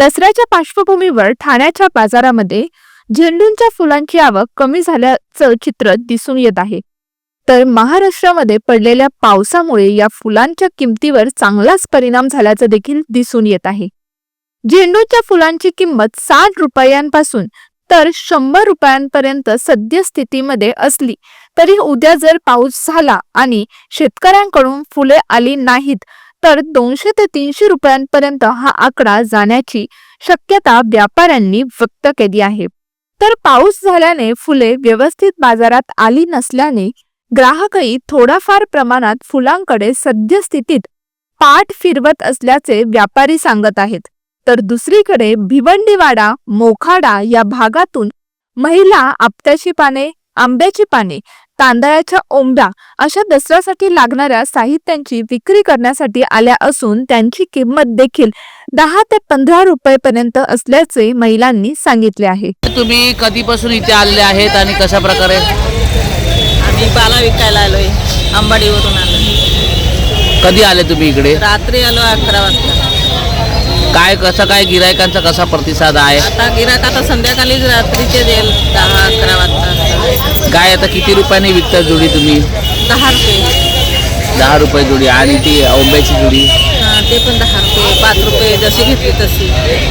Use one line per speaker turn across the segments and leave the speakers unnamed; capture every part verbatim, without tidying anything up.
दसऱ्याच्या पार्श्वभूमीवर ठाण्याच्या बाजारामध्ये झेंडूंच्या फुलांची आवक कमी झाल्याचं चित्र दिसून येत आहे. तर महाराष्ट्रामध्ये पडलेल्या पावसामुळे या फुलांच्या किमतीवर चांगलाच परिणाम झाल्याचं देखील दिसून येत आहे. झेंडूच्या फुलांची किंमत साठ रुपयांपासून तर शंभर रुपयांपर्यंत सद्यस्थितीमध्ये असली तरी उद्या जर पाऊस झाला आणि शेतकऱ्यांकडून फुले आली नाहीत तर दोनशे ते तीनशे रुपयांपर्यंत हा आकडा जाण्याची शक्यता व्यापाऱ्यांनी व्यक्त केली आहे. तर पाऊस झाल्याने फुले व्यवस्थित बाजारात आली नसल्याने ग्राहकही थोडाफार प्रमाणात फुलांकडे सद्यस्थितीत पाठ फिरवत असल्याचे व्यापारी सांगत आहेत. तर दुसरीकडे भिवंडीवाडा, मोखाडा या भागातून महिला आपट्याची पाने, आंब्याची पाने, तांदळाच्या ओंब्या अशा दसऱ्यासाठी लागणाऱ्या साहित्यांची विक्री करण्यासाठी आल्या असून त्यांची किंमत देखील दहा ते पंधरा रुपये पर्यंत असल्याचे महिलांनी सांगितले आहे.
तुम्ही कधीपासून इथे आले आहेत आणि कशा प्रकारे?
आम्ही पाला विकायला आलोय, अंबाडीवरून आलो.
कधी आले तुम्ही इकडे?
रात्री आलो अकरा वाजता.
काय कसं काय गिरायकांचा कसा प्रतिसाद आहे?
आता गिराक आता संध्याकाळीच रात्रीचे देईल दहा अकरा वाजता.
काय आता किती रुपयाने विकता जोडी तुम्ही?
दहा रुपये.
दहा रुपये जोडी. आणि ती ओंब्याची जोडी?
हां, ते पण दहा रुपये, पाच रुपये जशी घेतली तशी.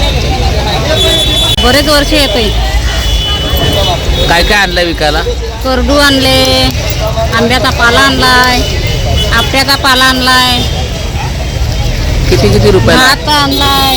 बरेच वर्ष येतोय.
काय काय आणलंय विकायला?
करडू आणले, आंब्याचा पाला आणलाय, आपट्याचा पाला आणलाय,
किती किती रुपयाला?
भात आणलाय,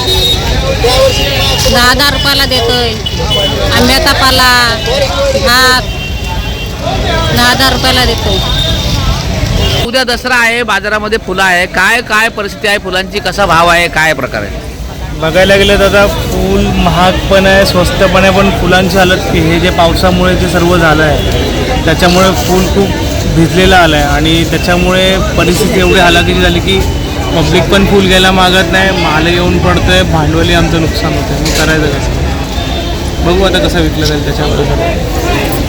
दहा दहा रुपयाला देतोय. आंब्याचा पाला, भात दहा दहा रुपयाला देतोय.
उद्या दसरा आहे, बाजारामध्ये फुलं आहे. काय काय परिस्थिती आहे फुलांची? कसा भाव आहे? काय प्रकार आहे?
बघायला गेलं तर आता फूल महाग पण आहे, स्वस्त पण आहे. पण फुलांची हालत की हे जे पावसामुळे जे सर्व झालं आहे त्याच्यामुळे फूल खूप भिजलेलं आलं आहे आणि त्याच्यामुळे परिस्थिती एवढी हालाकीची झाली की पब्लिक पण फूल घ्यायला मागत नाही, माल येऊन पडतो आहे, भांडवली आमचं नुकसान होतं आहे. मग करायचं कसं? बघू आता कसं विकलं जाईल त्याच्यावर.